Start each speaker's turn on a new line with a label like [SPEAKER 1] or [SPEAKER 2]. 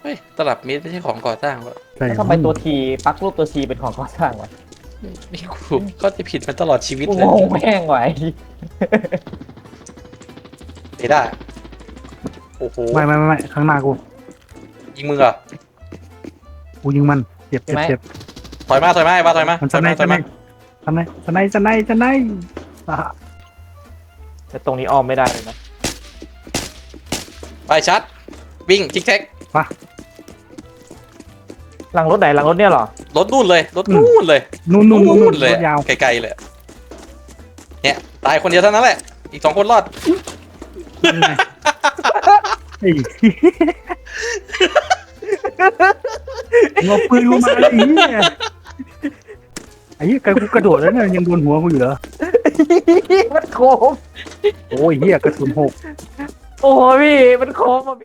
[SPEAKER 1] เฮ้ยตลับเมตรไม่ใช่ของก่อสร้างวะ
[SPEAKER 2] ใช่
[SPEAKER 3] แล้วทำไมตัวทีปักรูปตัวทีเป็นของก่อสร้างวะ
[SPEAKER 1] นี่กูก็จะผิดมาตลอดชีวิต
[SPEAKER 3] กู
[SPEAKER 1] เลย
[SPEAKER 3] งงแม่งไว้
[SPEAKER 1] เอด้าโอ้โห
[SPEAKER 2] ไม่ข้างหน้ากู
[SPEAKER 1] ยิงมึงเหรอ
[SPEAKER 2] กูยิงมันเจ็บ
[SPEAKER 1] ถอยมาไอ้บ้าถอยมา
[SPEAKER 2] มัน
[SPEAKER 1] ถ
[SPEAKER 2] ส
[SPEAKER 1] อย
[SPEAKER 2] ไน
[SPEAKER 1] มา
[SPEAKER 2] ส์
[SPEAKER 1] ถอยมา
[SPEAKER 2] สไนส์
[SPEAKER 3] แต่ตรงนี้อ้อมไม่ได้เลยนะ
[SPEAKER 1] ไปชัดวิ่งทิกแท็ก
[SPEAKER 3] หลังรถไหนหลังรถเนี่ยเหรอ
[SPEAKER 1] รถนู่นเลยรถนู่นเลย
[SPEAKER 2] นู่น
[SPEAKER 1] เลย
[SPEAKER 2] ยาว
[SPEAKER 1] ไกลๆเลยเนี่ยตายคนเดียวเท่านั้นแหละอีก2 คนรอด
[SPEAKER 2] ไอ้งอปืนกูมาไอ้เหี้ยไอ้เหี้ยกูกระโดดแล้วเนี่ยยังโดนหัวกูอยู่เหรอ
[SPEAKER 3] มันโค้ง
[SPEAKER 2] โอ้ยเหี้ยกระสุน6
[SPEAKER 3] โอ้ยพี่มันโค้งมา